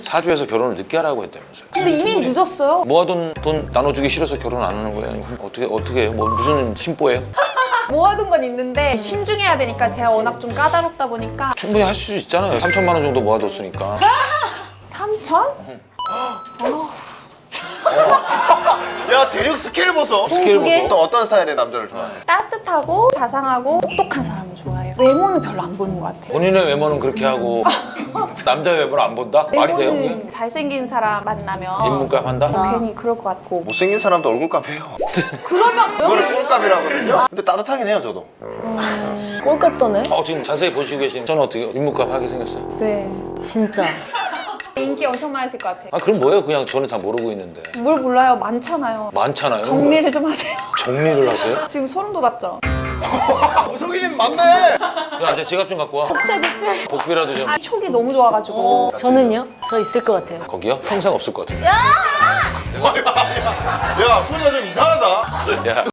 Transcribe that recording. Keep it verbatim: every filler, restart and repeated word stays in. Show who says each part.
Speaker 1: 사주에서 결혼을 늦게 하라고 했다면서요.
Speaker 2: 근데 이미 늦었어요.
Speaker 1: 모아둔 돈 나눠주기 싫어서 결혼 안 하는 거예요? 아니면 어떻게 어떻게 해요? 뭐 무슨 심보예요?
Speaker 2: 모아둔 건 있는데 신중해야 되니까 제가 워낙 좀 까다롭다 보니까.
Speaker 1: 충분히 할 수 있잖아요. 삼천만 원 정도 모아뒀으니까.
Speaker 2: 삼천?
Speaker 3: 야 대륙 스케일 보소.
Speaker 1: 스케일
Speaker 4: 두 개?
Speaker 1: 보소.
Speaker 3: 또 어떤 스타일의 남자를 좋아해?
Speaker 2: 따뜻하고 자상하고 똑똑한 사람을 좋아해요. 외모는 별로 안 보는 것 같아요.
Speaker 1: 본인의 외모는 그렇게 하고 남자의 외모는 안 본다? 말이 돼요? 그게?
Speaker 2: 외모는 잘생긴 사람 만나면
Speaker 1: 인문값 한다?
Speaker 2: 어, 괜히 그럴 것 같고.
Speaker 3: 못생긴 사람도 얼굴값 해요.
Speaker 2: 그러면
Speaker 3: 그거를 꼴값이라거든요. 근데 따뜻하긴 해요 저도.
Speaker 4: 꼴값 떠네?
Speaker 1: 어, 지금 자세히 보시고 계신 저는 어떻게 인문값 하게 생겼어요?
Speaker 2: 네.
Speaker 4: 진짜.
Speaker 2: 인기 엄청 많으실 것 같아요.
Speaker 1: 아 그럼 뭐예요? 그냥 저는 다 모르고 있는데.
Speaker 2: 뭘 몰라요? 많잖아요.
Speaker 1: 많잖아요.
Speaker 2: 정리를 좀 하세요.
Speaker 1: 정리를 하세요?
Speaker 2: 지금 소름 돋았죠?
Speaker 3: 무속인은 맞네.
Speaker 1: 야, 내 지갑 좀 갖고 와.
Speaker 4: 복제 복제.
Speaker 1: 복비라도 좀.
Speaker 2: 아, 촉이 너무 좋아가지고.
Speaker 4: 저는요? 저 있을 것 같아요.
Speaker 1: 거기요? 평생 없을 것 같은데.
Speaker 3: 야 소리가 좀 이상하다.
Speaker 1: 야.